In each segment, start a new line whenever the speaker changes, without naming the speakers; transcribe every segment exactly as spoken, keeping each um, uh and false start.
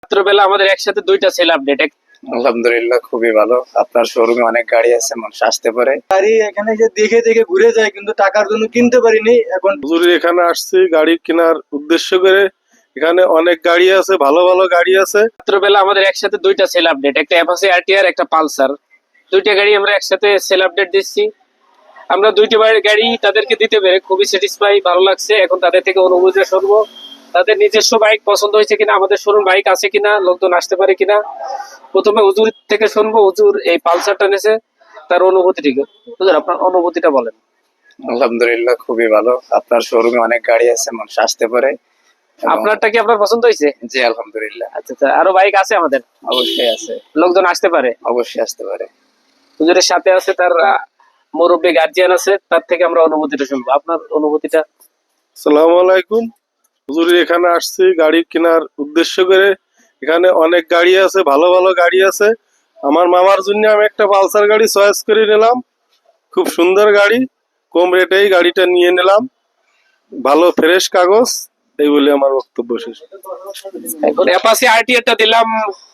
রাত্রবেলা আমাদের একসাথে দুইটা সেল আপডেট।
আলহামদুলিল্লাহ, খুবই ভালো। আপনার শোরুমে অনেক গাড়ি আছে, মানুষ আসতে পারে।
গাড়ি এখানে যে দেখে দেখে ঘুরে যায়, কিন্তু টাকার জন্য কিনতে পারিনি। এখন
হুজুর এখানে আসছি গাড়ি কেনার উদ্দেশ্য করে। এখানে অনেক গাড়ি আছে, ভালো ভালো গাড়ি আছে।
রাত্রবেলা আমাদের একসাথে দুইটা সেল আপডেট, একটা অ্যাপাচি আরটিআর, একটা পালসার। দুইটা গাড়ি আমরা একসাথে সেল আপডেট দিচ্ছি। আমরা দুইটা গাড়ি তাদেরকে দিতে পেরে খুবই স্যাটিসফাই, ভালো লাগছে। এখন তাদের থেকে অনুভূতি শুনবো, তাদের নিজস্ব বাইক পছন্দ হয়েছে কিনা, আমাদের শোরুম বাইক আছে কিনা, লোকজন আসতে পারে কিনা। প্রথমে হুজুর থেকে শুনবো, হুজুর এই পালসারটা নিয়েছে, তার অনুভূতি ঠিক। হুজুর আপনার অনুভূতিটা বলেন।
আলহামদুলিল্লাহ, খুবই ভালো। আপনার শোরুমে অনেক গাড়ি আছে, মানুষ আসতে পারে।
আপনারটা কি আপনার পছন্দ হয়েছে?
জি আলহামদুলিল্লাহ।
আচ্ছা আচ্ছা, আরো বাইক আছে আমাদের,
অবশ্যই আছে,
লোকজন আসতে পারে।
অবশ্যই আসতে পারে।
হুজুরের সাথে আছে তার আহ, মুরব্বী গার্জিয়ান আছে, তার থেকে আমরা অনুভূতিটা শুনবো। আপনার অনুভূতিটা।
আসসালামু আলাইকুম। হুজুর এখানে আসছি গাড়ি কেনার উদ্দেশ্য করে। এখানে অনেক গাড়ি আছে, ভালো ভালো গাড়ি আছে। আমার মামার জন্য আমি একটা পালসার গাড়ি চয়েস করে নিলাম। খুব সুন্দর গাড়ি, কম রেটেই গাড়িটা নিয়ে নিলাম। ভালো ফ্রেশ কাগজ, এই বলে আমার বক্তব্য শেষ।
এখন অ্যাপাচি আরটিআরটা দিলাম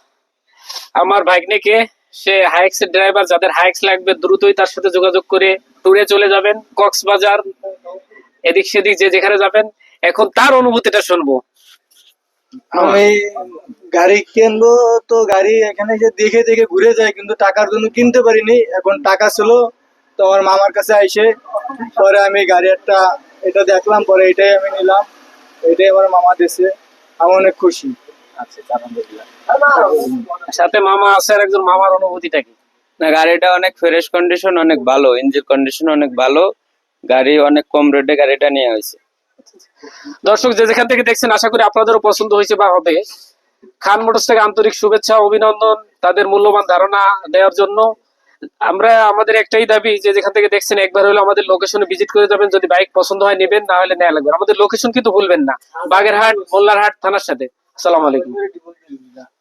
আমার ভাগ্নেকে। সে হাইক্স এর ড্রাইভার, যাদের হাইক্স লাগবে দ্রুতই তার সাথে যোগাযোগ করে ট্যুরে চলে যাবেন, কক্সবাজার এদিক সেদিক যে যেখানে যাবেন। এখন তার অনুভূতিটা শুনবো।
আমি গাড়ি কিনবো, তো গাড়ি এখানে যে দেখে দেখে ঘুরে যায়, কিন্তু টাকার জন্য কিনতে পারিনি। এখন টাকা ছিল, তো আমার মামার কাছে আইসে পরে আমি গাড়ি একটা এটা দেখলাম, পরে এটাই আমি নিলাম। এটাই আমার মামা দিয়েছে, আমি অনেক খুশি।
আচ্ছা, আলহামদুলিল্লাহ। সাথে মামা আছে, আর একজন মামার অনুভূতিটা কি?
না, গাড়িটা অনেক ফ্রেশ কন্ডিশন, অনেক ভালো, ইঞ্জিন কন্ডিশন অনেক ভালো। গাড়ি অনেক কম রেটে গাড়িটা নেওয়া হয়েছে।
দর্শক যে যেখান থেকে দেখছেন, আশা করি আপনাদেরও পছন্দ হয়েছে বা হবে। খান মোটরস থেকে আন্তরিক শুভেচ্ছা, অভিনন্দন তাদের মূল্যবান ধারণা দেওয়ার জন্য। আমরা আমাদের একটাই দাবি, যে যেখান থেকে দেখছেন একবার হলো আমাদের লোকেশনে ভিজিট করে যাবেন। যদি বাইক পছন্দ হয় নেবেন, না হলে নেওয়া লাগবে। আমাদের লোকেশন কিন্তু ভুলবেন না, বাগেরহাট মোল্লারহাট থানার সাথে। আসসালামু আলাইকুম।